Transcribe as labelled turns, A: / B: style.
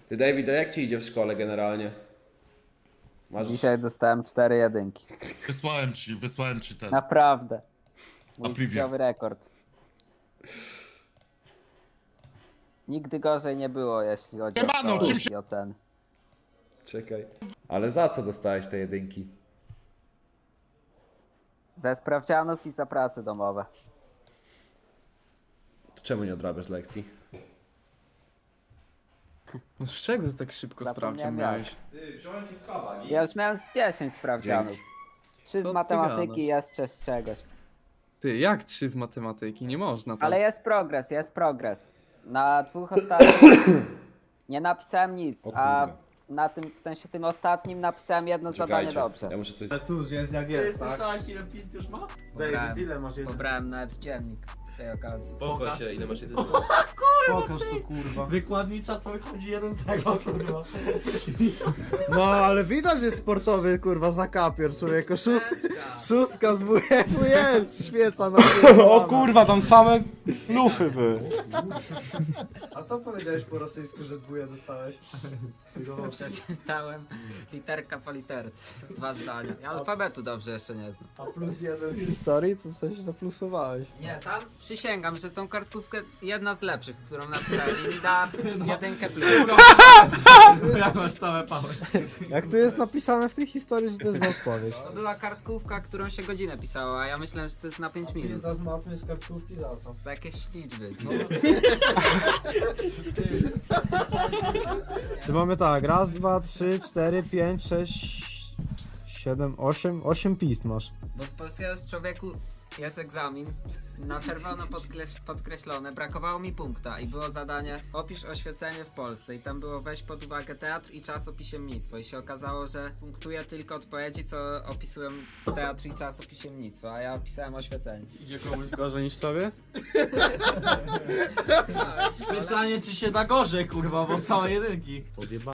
A: Ty, David, a jak ci idzie w szkole generalnie? Masz...
B: Dzisiaj dostałem 4 jedynki.
C: Wysłałem ci ten.
B: Naprawdę. Mój
C: preview.
B: życiowy rekord. Nigdy gorzej nie było, jeśli chodzi
C: Siemano,
B: o
C: czym
B: szkołę
C: się-
B: i oceny.
A: Czekaj. Ale za co dostałeś te jedynki?
B: Ze sprawdzianów i za prace domowe.
A: To czemu nie odrabiasz lekcji?
D: No z czego ty tak szybko
B: Zapomniałem
D: sprawdzian
B: jak.
D: miałeś?
A: Ty, wziąłem ci schaba,
B: Ja już miałem z 10 sprawdzianów. 3
D: Co
B: z
D: ty
B: matematyki
D: gadasz?
B: i jeszcze z czegoś.
D: Ty, jak 3 z matematyki? Nie można tak.
B: Ale jest progres, jest progres. Na 2 ostatnich nie napisałem nic,
A: O
B: a
A: kurwa.
B: na tym, w sensie tym ostatnim napisałem jedno zadanie
A: Czekajcie,
B: dobrze.
A: ja muszę coś...
E: Ale cóż, jest jak jest, tak?
F: Słyszałeś ile pizd już ma?
E: David, ile masz jeden?
B: Pobrałem nawet dziennik z tej okazji.
G: Pochwal się, ile masz jedzenia.
E: Pokaż to, kurwa.
F: Wykładnicza to wychodzi jeden z tego, kurwa.
E: No, ale widać, że sportowy, kurwa, zakapier, człowieku. Szóstka z WF-u jest, świeca na
H: O kurwa, tam same lufy były.
E: A co powiedziałeś po rosyjsku, że dwóje dostałeś?
B: Przeczytałem literka po literce, 2 zdania. Ja alfabetu dobrze jeszcze nie znam.
E: A plus jeden z historii, to coś zaplusowałeś.
B: Nie, tam przysięgam, że tą kartkówkę jedna z lepszych, którą napisałem i mi da 1 plus.
F: Ja masz całe pały.
E: Jak tu jest napisane w tej historii, że to jest za odpowiedź?
B: To była kartkówka, którą się godzinę pisało, a ja myślałem, że to jest na 5 minut.
E: z mapy, z kartkówki, za co?
B: Za jakieś liczby.
E: Czy mamy tak, raz, dwa, 3, 4, 5, 6, 7, 8, 8 pist masz.
B: Bo z polskiego z człowieku jest egzamin, na czerwono podkreślone, brakowało mi punkta i było zadanie opisz oświecenie w Polsce i tam było weź pod uwagę teatr i czasopiśmiennictwo i się okazało, że punktuję tylko odpowiedzi, co opisują teatr i czasopiśmiennictwo, a ja opisałem oświecenie.
D: Idzie komuś gorzej niż tobie?
F: Pytanie czy się da gorzej, kurwa, bo same jedynki.